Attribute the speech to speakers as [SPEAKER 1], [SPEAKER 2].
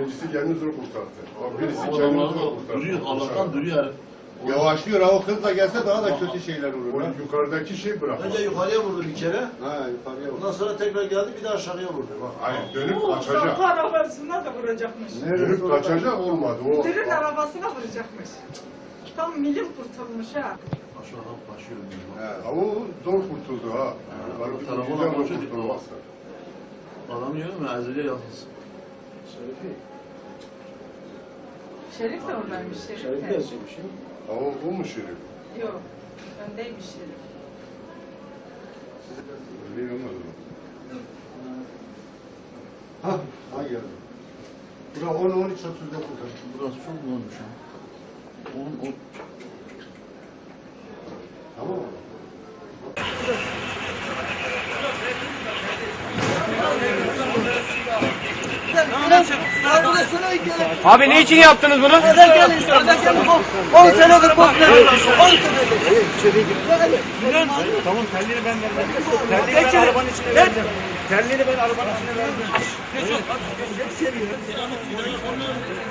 [SPEAKER 1] Birincisi kendini zor kurtardı. Bak birisi kendini
[SPEAKER 2] Adamlar
[SPEAKER 1] zor
[SPEAKER 2] da
[SPEAKER 1] kurtardı.
[SPEAKER 2] duruyor, Allah'tan duruyor herif.
[SPEAKER 3] Yavaşlıyor ha, o kız da gelse daha da kötü şeyler olur.
[SPEAKER 1] O
[SPEAKER 3] Ha.
[SPEAKER 1] yukarıdaki şey bırak.
[SPEAKER 4] Önce yukarıya vurdu bir kere.
[SPEAKER 3] Ha, yukarıya bak.
[SPEAKER 4] Ondan sonra tekrar geldi bir de aşağıya vurdu. Bak.
[SPEAKER 1] Hayır dönüp
[SPEAKER 5] Bu
[SPEAKER 1] kaçacak.
[SPEAKER 5] sapı arabasına da vuracakmış.
[SPEAKER 1] Dönüp kaçacak olmadı. O
[SPEAKER 5] Dürün arabasına vuracakmış. Tam milim kurtulmuş ha.
[SPEAKER 2] Aşağıdan başlıyor.
[SPEAKER 3] He.
[SPEAKER 1] ama o zor kurtuldu ha. Var
[SPEAKER 2] Tarafı
[SPEAKER 1] güzel
[SPEAKER 2] olan
[SPEAKER 1] o
[SPEAKER 2] çocuk
[SPEAKER 1] kurtulması.
[SPEAKER 2] Adam diyor mu? Ezeli'ye yakınsın.
[SPEAKER 5] Şerif de oradaymış. Şerif de.
[SPEAKER 1] Ama bu mu şerif?
[SPEAKER 5] Yok. Öndeymiş Şerif.
[SPEAKER 1] Öyle olmadı mı?
[SPEAKER 3] Ha, ha geldi. Bura 10, 13, 39.
[SPEAKER 2] Burası çok olmuş ha. On.
[SPEAKER 3] Tamam mı?
[SPEAKER 6] Abi ne için yaptınız bunu?
[SPEAKER 5] 10 senedir bokluyoruz. 10 senedir.
[SPEAKER 6] Tamam telleri ben verdim. Telleri ben arabanın içine verdim. Telleri ben arabanın içine verdim.